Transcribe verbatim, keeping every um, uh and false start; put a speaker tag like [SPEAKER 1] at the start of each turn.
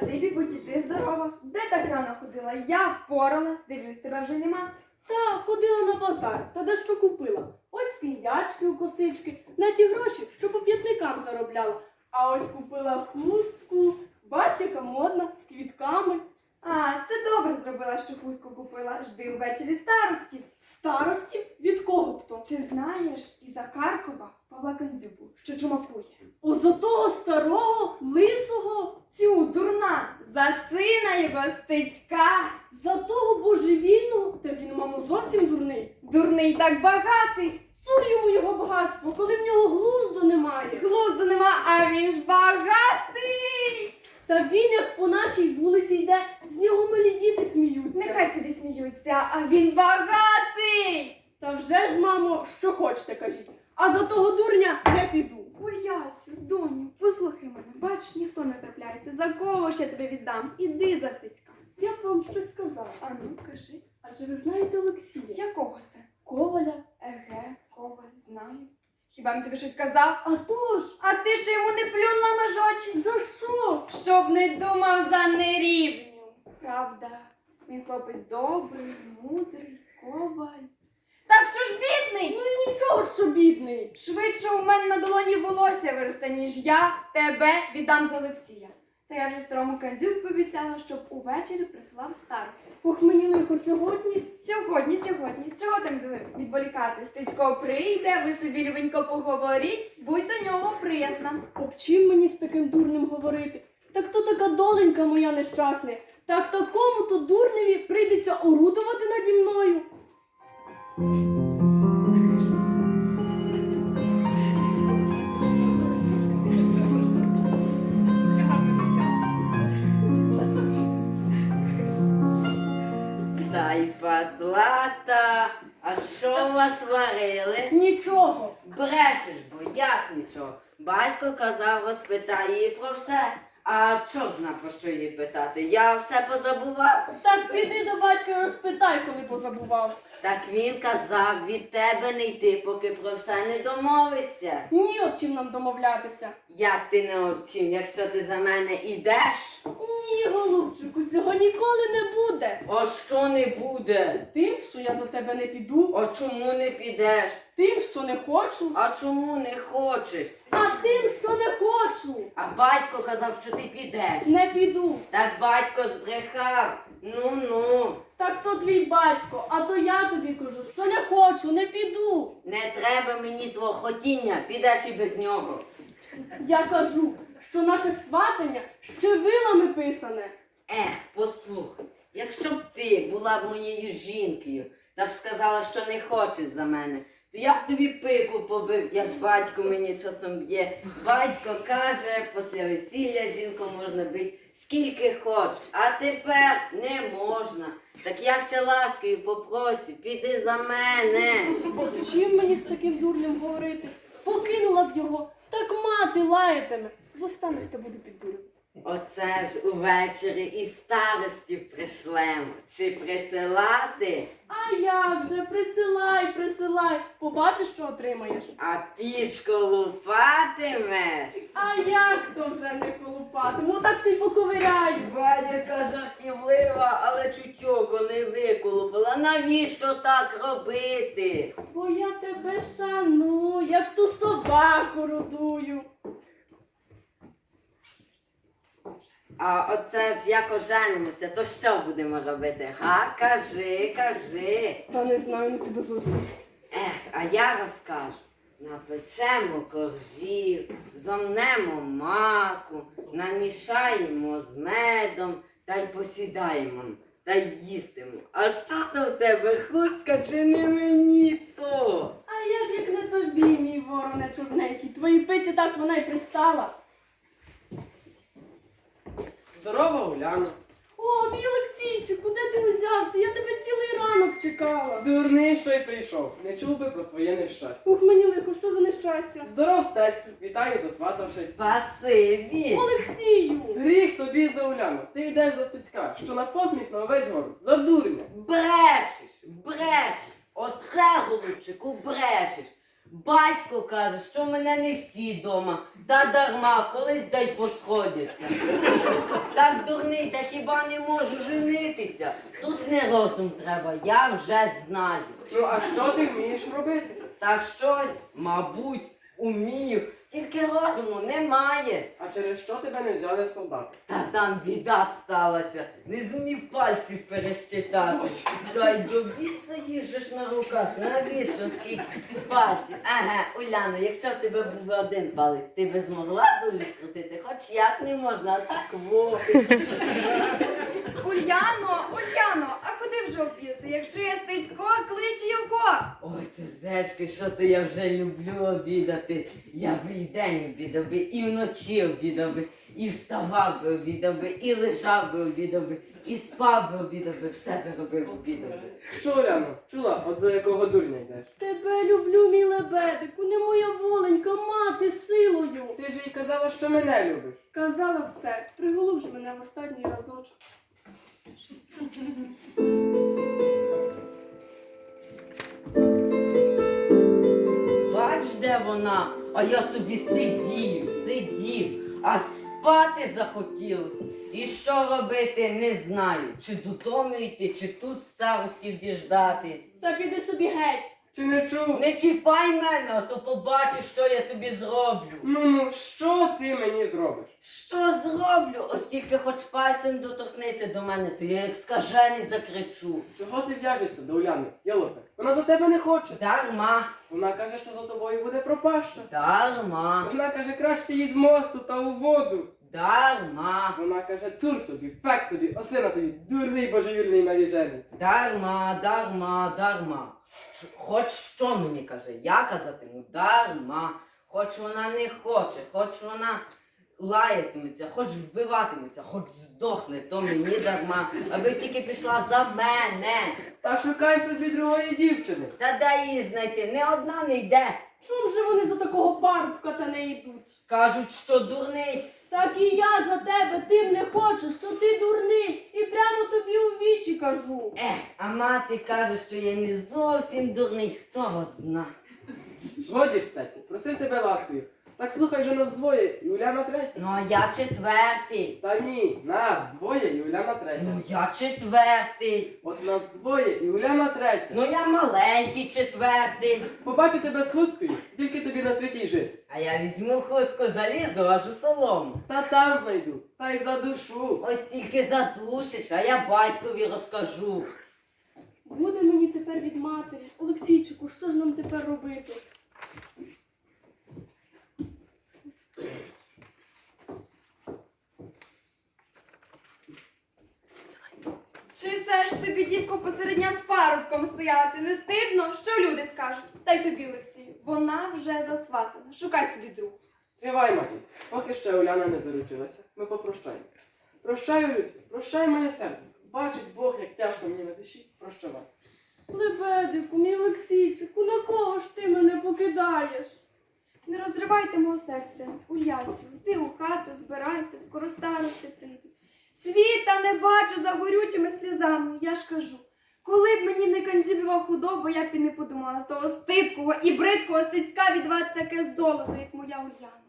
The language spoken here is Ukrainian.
[SPEAKER 1] Спасибі, будь і ти здорова. Де так рано ходила? Я впоралась, дивлюсь, тебе вже нема.
[SPEAKER 2] Та ходила на базар, та дещо купила. Ось скіндячки у косички, на ті гроші, що по п'ятникам заробляла. А ось купила хустку, бач, яка модна, з квітками.
[SPEAKER 1] А, це добре зробила, що хустку купила. Жди ввечері старості.
[SPEAKER 2] Старості? Від кого б то?
[SPEAKER 1] Чи знаєш із-за Харкова Павла Кандзюбу, що чумакує?
[SPEAKER 2] О, за того старого, лисого,
[SPEAKER 1] Цю, дурна, за сина його Стецька.
[SPEAKER 2] за того божевільного, та він, мамо, зовсім дурний.
[SPEAKER 1] Дурний так багатий.
[SPEAKER 2] Цур йому його багатство, коли в нього глузду немає.
[SPEAKER 1] Глузду нема, а він ж багатий.
[SPEAKER 2] Та він, як по нашій вулиці йде, з нього малі діти сміються.
[SPEAKER 1] Нехай собі сміються, а він багатий.
[SPEAKER 2] Та вже ж, мамо, що хочете, кажіть. А за того дурня не піду.
[SPEAKER 1] Ой, Ясю, доню, послухай мене, бач, ніхто не трапляється. За кого ж я тебе віддам? Іди за Стецька.
[SPEAKER 2] Я б вам щось сказала.
[SPEAKER 1] А ну, кажи,
[SPEAKER 2] Адже ви знаєте Олексія?
[SPEAKER 1] якого це?
[SPEAKER 2] Коваля.
[SPEAKER 1] Еге, Коваль, знаю. Хіба він тобі щось казав?
[SPEAKER 2] А то ж,
[SPEAKER 1] А ти ще йому не плюнь на межочі?
[SPEAKER 2] за що?
[SPEAKER 1] Щоб не думав за нерівню. Правда, він хлопець добрий, мудрий, коваль. Так що ж бідний?
[SPEAKER 2] Ну і нічого, що бідний.
[SPEAKER 1] Швидше у мене на долоні волосся виросте, ніж я тебе віддам за Олексія. Та я вже старому Кандзюб пообіцяла, щоб увечері прислав старості.
[SPEAKER 2] Ох, мені лихо сьогодні.
[SPEAKER 1] Сьогодні, сьогодні. Чого там відволікати? Стецько прийде, ви собі любенько поговоріть, будь до нього приязна.
[SPEAKER 2] Об чим мені з таким дурнем говорити? Так то така доленька моя нещасна. Так такому то дурневі прийдеться орудувати наді мною.
[SPEAKER 3] Та й патлата, а що у вас варили?
[SPEAKER 2] Нічого.
[SPEAKER 3] Брешеш, бо як нічого? Батько казав, розпитай її про все. А чо зна про що її питати? Я все позабував.
[SPEAKER 2] Так піди до батька і розпитай, коли позабував.
[SPEAKER 3] Так він казав, від тебе не йти, поки про все не домовишся.
[SPEAKER 2] Ні, об чим нам домовлятися.
[SPEAKER 3] Як ти не обчим, якщо ти за мене ідеш?
[SPEAKER 2] Ні, голубчику, цього ніколи не буде.
[SPEAKER 3] А що не буде?
[SPEAKER 2] Тим, що я за тебе не піду,
[SPEAKER 3] А чому не підеш?
[SPEAKER 2] тим, що не хочу,
[SPEAKER 3] А чому не хочеш?
[SPEAKER 2] а тим, що не хочу,
[SPEAKER 3] А батько казав, що ти підеш.
[SPEAKER 2] не піду.
[SPEAKER 3] Так батько збрехав. Ну-ну.
[SPEAKER 2] Так то твій батько, а то я тобі кажу, що не хочу, не піду.
[SPEAKER 3] Не треба мені твого хотіння, підеш і без нього.
[SPEAKER 2] Я кажу, що наше сватання ще вилами писане.
[SPEAKER 3] Ех, послухай, якщо б ти була б моєю жінкою та б сказала, що не хочеш за мене, то я б тобі пику побив, як батько мені часом б'є. Батько каже, після весілля жінку можна бити скільки хоч, а тепер не можна. Так я ще ласкою попросю, піди за мене.
[SPEAKER 2] От чим мені з таким дурнем говорити? Покинула б його, так мати лаятиме. Зостанусь та буду під дурем.
[SPEAKER 3] Оце ж увечері і старості пришлемо. Чи присилати?
[SPEAKER 2] А як же, присилай, присилай, побачиш, що отримаєш.
[SPEAKER 3] А пічку лупатимеш?
[SPEAKER 2] А як то вже не колупатиму, так ти поковиряй.
[SPEAKER 3] Ба, яка жартівлива, але чутьоко не виколупила. Навіщо так робити?
[SPEAKER 2] Бо я тебе шаную, як ту собаку родую.
[SPEAKER 3] А оце ж як оженимося, то що будемо робити? Га? Кажи, кажи.
[SPEAKER 2] Та не знаю, не тебе зовсім.
[SPEAKER 3] Ех, а я розкажу. Напечемо коржів, зомнемо маку, намішаємо з медом та й посідаємо, та й їстимо. А що то в тебе, хустка чи не мені то?
[SPEAKER 2] А як, як не тобі, мій вороне чорненький, твоїй пиці так вона й пристала.
[SPEAKER 4] Здорова, Уляно.
[SPEAKER 2] О, мій Олексійчику, де ти узявся? Я тебе цілий ранок чекала.
[SPEAKER 4] Дурний, що й прийшов. Не чув би про своє нещастя.
[SPEAKER 2] Ух, мені лихо, що за нещастя?
[SPEAKER 4] Здоров, стецю. Вітаю, засватавшись.
[SPEAKER 3] Спасибі.
[SPEAKER 2] Олексію!
[SPEAKER 4] Гріх тобі за Уляну. Ти йдеш за Стецька, що на посміх на увесь город. За дурня.
[SPEAKER 3] Брешеш, брешеш. Оце, голубчику, брешеш. Батько каже, що в мене не всі дома. Та дарма, колись дай посходяться. Так дурний, та хіба не можу женитися? Тут не розум треба, я вже знаю.
[SPEAKER 4] Ну а що ти вмієш робити?
[SPEAKER 3] Та щось, мабуть, умію, тільки розуму немає.
[SPEAKER 4] А через що тебе не взяли в солдати?
[SPEAKER 3] Та там біда сталася, не зумів пальців перещитати. Та й до біса їх же ж на руках, навіщо скільки пальців? Ага, Уляно, якщо в тебе був один палець, ти би змогла долю скрутити? Хоч як не можна, а так во.
[SPEAKER 1] Ульяно, Ульяно, а ходи вже обідати. Якщо є Стецько, клич його.
[SPEAKER 3] Ой, Суздечки, що то я вже люблю обідати. Я би і день обідав би, і вночі обідав би, і вставав би обідав би, і лежав би обідав би, і спав би обідав би, все би робив обідав би.
[SPEAKER 4] Що, Оляно, чула, от за якого дурня йдеш?
[SPEAKER 2] Тебе люблю, мій лебедику, не моя воленька, мати силою.
[SPEAKER 4] Ти ж їй казала, що мене любиш.
[SPEAKER 2] Казала все, приголуб ж мене в останній разочок.
[SPEAKER 3] Бач, де вона, а я собі сидів, сидів, а спати захотілось. І що робити, не знаю. Чи додому йти, чи тут старостів діждатись.
[SPEAKER 2] Та піди собі геть.
[SPEAKER 4] Чи не чув?
[SPEAKER 3] Не чіпай мене, а то побачиш, що я тобі зроблю.
[SPEAKER 4] Ну, ну, що ти мені зробиш?
[SPEAKER 3] Що зроблю? Ось тільки хоч пальцем доторкнися до мене, то я як скажений закричу.
[SPEAKER 4] Чого ти в'яжешся до Уляни? Ялота, вона за тебе не хоче.
[SPEAKER 3] Дарма,
[SPEAKER 4] Вона каже, що за тобою буде пропаща.
[SPEAKER 3] дарма,
[SPEAKER 4] Вона каже, краще їй з мосту та у воду.
[SPEAKER 3] дарма,
[SPEAKER 4] Вона каже, цур тобі, пек тобі, осина тобі, дурний божевільний навіжений.
[SPEAKER 3] дарма, дарма, дарма. Щ- Хоч що мені каже, я казатиму дарма. Хоч вона не хоче, хоч вона лаятиметься, хоч вбиватиметься, хоч здохне, то мені дарма, аби тільки пішла за мене.
[SPEAKER 4] Та шукай собі другої дівчини.
[SPEAKER 3] Та дай її знайти, не одна не йде.
[SPEAKER 2] Чом же вони за такого парубка та не йдуть?
[SPEAKER 3] Кажуть, що дурний.
[SPEAKER 2] Так і я за тебе тим не хочу, що ти дурний, і прямо тобі у вічі кажу.
[SPEAKER 3] Ех, а мати каже, що я не зовсім дурний, хто його зна.
[SPEAKER 4] Годі, стаці, просив тебе ласкою. Так слухай же нас двоє, і Уляна третя.
[SPEAKER 3] Ну а я четвертий.
[SPEAKER 4] Та ні, нас двоє, і Уляна третя.
[SPEAKER 3] Ну я четвертий.
[SPEAKER 4] От нас двоє, і Уляна третя.
[SPEAKER 3] Ну я маленький четвертий.
[SPEAKER 4] Побачу тебе з хусткою, тільки тобі на світі й жити.
[SPEAKER 3] А я візьму хустку, залізу аж у солому.
[SPEAKER 4] Та там знайду, та й за душу.
[SPEAKER 3] Ось тільки задушиш, а я батькові розкажу.
[SPEAKER 2] Буде мені тепер від матері. Олексійчику, що ж нам тепер робити?
[SPEAKER 1] Чи все ж тобі, дівко, посеред дня з парубком стояти? Не стидно? Що люди скажуть? Та й тобі, Олексію, вона вже засватана. Шукай собі другу.
[SPEAKER 4] Тривай, маті, поки ще Уляна не заручилася, ми попрощаємо. Прощай, Люся, прощай моє серце. Бачить Бог, як тяжко мені на душі. Прощавай.
[SPEAKER 2] Лебедику, мій Олексійчику, на кого ж ти мене покидаєш?
[SPEAKER 1] Не розривайте мого серця, Улясю, йди у хату, збирайся, скоро старости прийдуть. Світа не бачу за горючими сльозами, я ж кажу. Коли б мені не кандібіва худоба, я б і не подумала з того стидкого і бридкого стицька відвати таке золото, як моя Уляна.